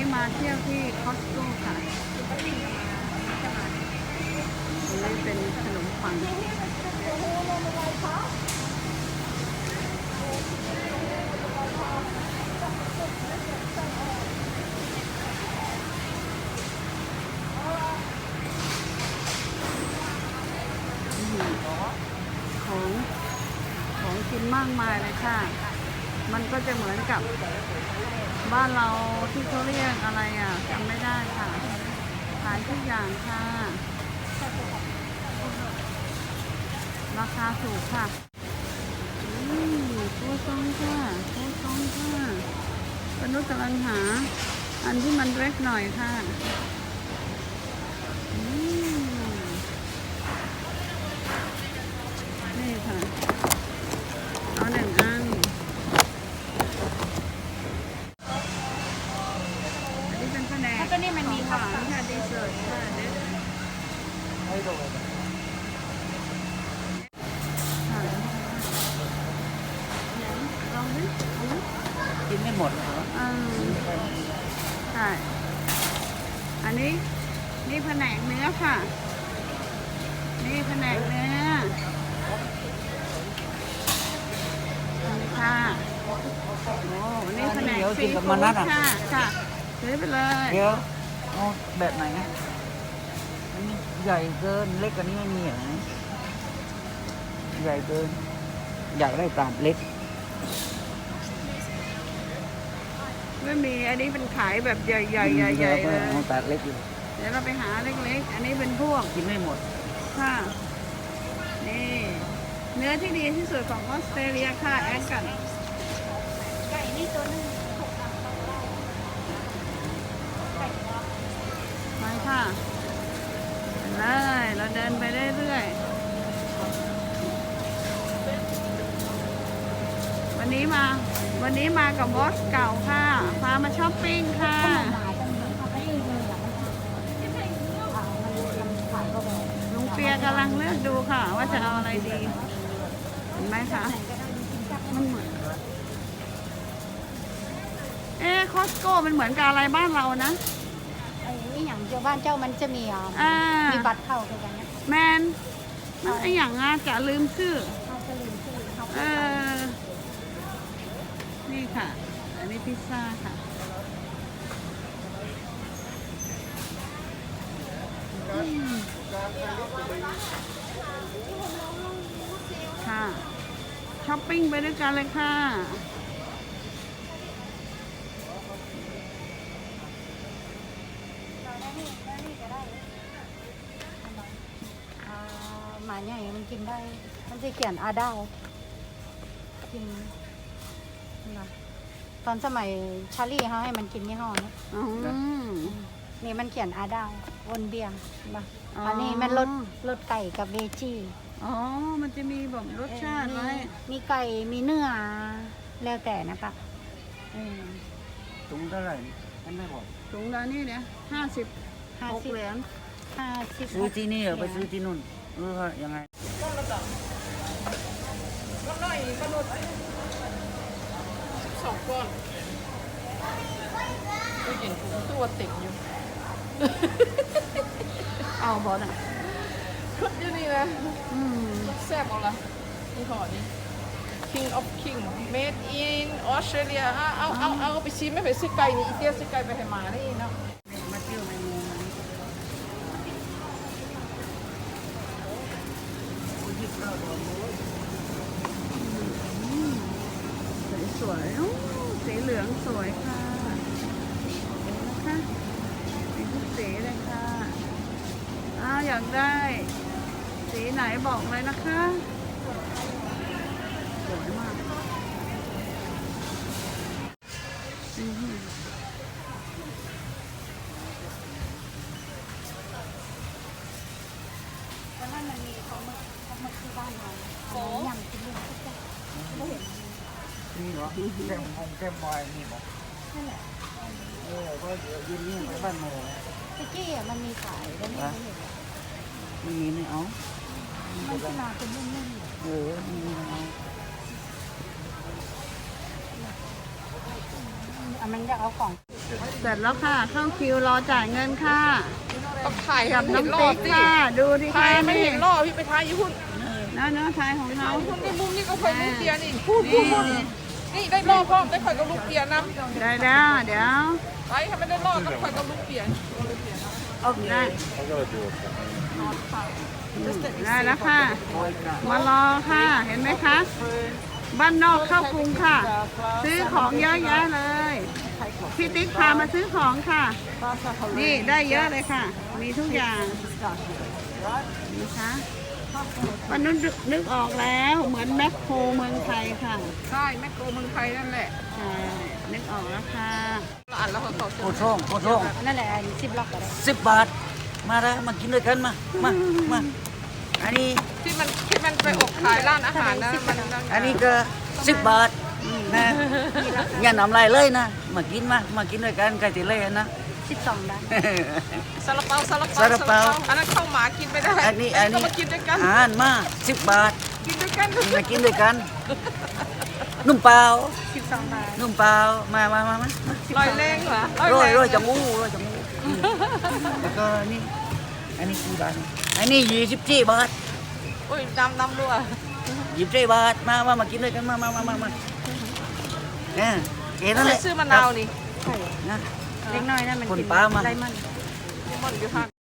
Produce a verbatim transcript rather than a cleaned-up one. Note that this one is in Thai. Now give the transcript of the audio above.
มาเที่ยวที่คอสโก้ค่ะอันนี้เป็นขนมปังของของกินมากมายเลยค่ะมันก็จะเหมือนกับบ้านเราที่เขาเรียกอะไรอ่ะจำไม่ได้ค่ะขายทุกอย่างค่ะราคาถูกค่ะอืมตัวซองค่ะตัวซองค่ะปนุษย์กำลังหาอันที่มันเล็กหน่อยค่ะอืมนี่ค่ะเอาหนึ่งอันอันนี้เป็นแผนกตัวนี้มันมีหวานค่ะดีเซอร์ค่ะเด็ดค่ะลองดิเอาไหมกินไม่หมดเหรออืมใช่อันนี้นี่แผนกเนื้อค่ะนี่แผนกเนื้อนี่ค่ะโอ้นี่แผนกซีฟู้ดค่ะค่ะซื้อไปเลยเดี๋ยวเอาแบบไหนนะอันนี้ใหญ่เกินเล็กกว่านี้ไม่มีเหรอใหญ่เกินอยากได้ปลาเล็กไม่มีอันนี้เป็นขายแบบใหญ่ๆใหญ่ๆเลยเอาปลาเล็กอยู่เดี๋ยวเราไปหาเล็กๆ อันนี้เป็นพวกกินไม่หมดค่ะ นี่ เนื้อที่ดีที่สุดของออสเตรเลียค่ะ แอดกันไก่นี่ตัวนึงไปค่ะไปเลยเราเดินไปเรื่อยๆ วันนี้มา วันนี้มากับบอสเก่าค่ะ พามาช้อปปิ้งค่ะหมาจังเลยเขาไม่ได้เลยอ่ะมันอ่ามันมันขายก็แบบลุงเปียกำลังเลือกดูค่ะ ว่าจะเอาอะไรดี เห็นไหมคะมันเหมือนเอ๊ะคอสโก้มันเหมือนกับอะไรบ้านเรานะไอ้นี่อย่างเจ้าบ้านเจ้ามันจะมีอ่ะอ่ามีบัตรเข้าคือกันนะแมนมันไออย่างอ่ะจะลืมชื่อเขาจะลืมชื่อเขาเออ นี่ค่ะ อันนี้พิซซ่าค่ะ ค่ะ ช้อปปิ้งไปด้วยกันเลยค่ะอ่าหมาใหญ่มันกินได้ มันจะเขียนอาดาวกินนะตอนสมัยชาลี่เขาให้มันกินยี่ห้อนี้อืมนี่มันเขียนอาดาววนเบียงนะอ๋ออัอันนี้มันรสรสไก่กับเวจี้อ๋อ มันจะมีแบบรสชาติไว้มีไก่มีเนื้อแล้วแต่นะคะเออถุงเท่าไหร่ฉันไม่บอกถุงละนี่เนี่ยห้าสิบห้าหกสิบเหรียญห้าสิบซื้อที่นี่เหรอไปซื้อที่นู่นหรือว่ายังไงสองก้อนก็เห็นถุงตัวติดอยู่เอาบอลอ่ะคุดอยู่นี่นะอืมแซ่บเอาละนี่ห่อนี้ King of King made in Australia เอาเอาเอาเอาไปชิมไม่ไปซื้อไก่นี่อีเตี้ยซื้อไก่ไปให้หมาได้เนาะมาเที่ยวในเมืองนั้นสวยๆโอ้สีเหลืองสวยค่ะเห็นนะคะมีทุกสีเลยค่ะอ้าวอยากได้ สีไหนบอกเลยนะคะสวยมากอือหือแล้วนั่นมันมีเขาหมึกเขาหมึกที่บ้านเราโอ้ยำกินลูกทุกอย่างไม่เห็นนี่เหรอแก้มมงแก้มมอยนี่บอกนั่นแหละเออก็เดี๋ยวยืนนี่ไปบ้านโมพิกกี้อ่ะมันมีขายแล้วไม่เห็นไม่มีไม่เอามันที่มาเป็นนุ่มๆเออไม่มีไม่เอาอ่ะมันจะเอาของเเสร็จแล้วค่ะ เข้าคิวรอจ่ายเงินค่ะต้องถ่ายกับให้น้องเห็นรอติ๊บกสิค่ะ ดูดิถ่าค่ะยไม่นี่เห็นรอบพี่ไปถ่ายอยู่หุ่นเนื้อเนื้อไทยของเขาเอาหุ่นในมุมนี่ก็ค่อยลูกเปียนี่พูดพูดพูดนี่ได้รอบพร้อมได้ค่อยก็ลูกเปียน้ำได้แล้วเดี๋ยวไปถ้าไม่ได้รอบก็ค่อยก็ลูกเปียได้ ได้แล้วค่ะ มารอค่ะ เห็นไหมคะ บ้านนอกเข้ากรุงค่ะ ซื้อของเยอะแยะเลย พี่ติ๊กพามาซื้อของค่ะ นี่ได้เยอะเลยค่ะ มีทุกอย่างนะคะวันนู้นนึกออกแล้ว เหมือนแมคโครเมืองไทยค่ะใช่แมคโครเมืองไทยนั่นแหละใช่ นึกออกแล้วค่ะอ่านแล้วเขาเขาโคตรช่องโคตรช่องนั่นแหละสิบล็อกก็ได้สิบบาท มาแล้วมากินด้วยกันมา มา มา อันนี้ที่มันที่มันไปอบขายร้านอาหารนะมันอันนี้ก็สิบบาทนะอย่านำลายเลยนะ มากินมา มากินด้วยกันไก่ติเล่นะสิบสองได้ซาลาเปาซาลาเปาซาลาเปาอันนั้นข้าวหมากินไม่ได้อันนี้อันก็นี้มากินด้วยกันอาหารมาสิบบาทกินด้วยกันมากินด้วยกัน นุ่มเปล่าสิบสองบาทนุ่มเปล่า มามามามาลอยแรงเหรอโรยแงโรยจังงูโรยจังงูแล้วก็นี่ อันนี้กี่บาท อันนี้ยี่สิบสี่บาทอุ้ยดำดำด้วยยี่สิบสี่บาท มามามากินด้วยกัน มามามามามาเนี่ยเอ๋นั่นแหละซื้อมะนาวนี่ใช่นะเล็กน้อยนั่นมันคนกินป้ามาได้มันมันอยู่ข้าง